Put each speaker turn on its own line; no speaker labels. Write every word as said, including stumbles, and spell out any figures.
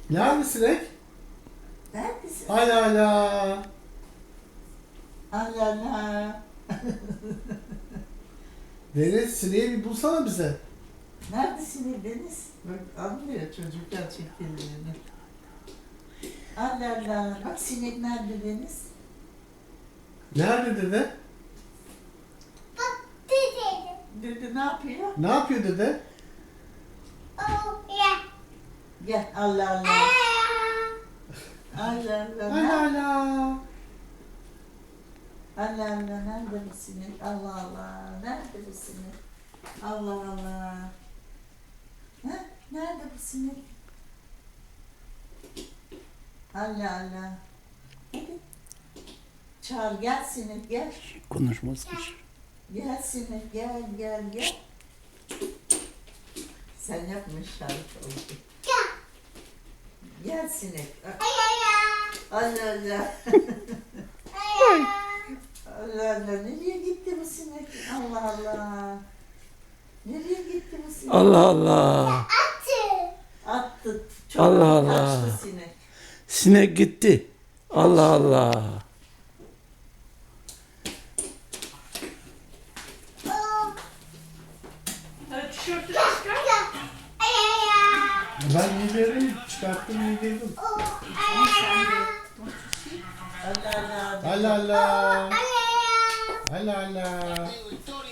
Nerede sinek?
Neredesin?
Ala ala.
Allah Allah.
Deniz sineği bir bulsana bize.
Neredesin Deniz? Bak anlıyor çocuklar çektiğini. Allah Allah. Bak sinek nerede Deniz?
Nerede dede?
Dede ne yapıyor?
Ne yapıyor dede?
Gel Allah Allah. Allah Allah.
Ala ala.
Allah Allah. Nerede bu sinek? Allah Allah. Nerede bu sinek? Allah Allah. Ha? Nerede bu sinek? Allah Allah. Hadi. Çağır gel sinek gel.
Konuşmaz ki.
Gel sinek gel gel gel. Sen yapmış şarkı oldu. Gel sinek. Allah Allah. Allah Allah. Nereye gitti bu sinek? Allah Allah. Nereye gitti bu sinek?
Allah Allah.
Attı. Çok
Allah Allah.
kaçtı sinek.
Sinek gitti. Allah Allah.
Hadi tişörtünü çıkar.
Ben midyeleri çıkarttım midyedim.
Allah Allah.
Ala ala. Ala ala.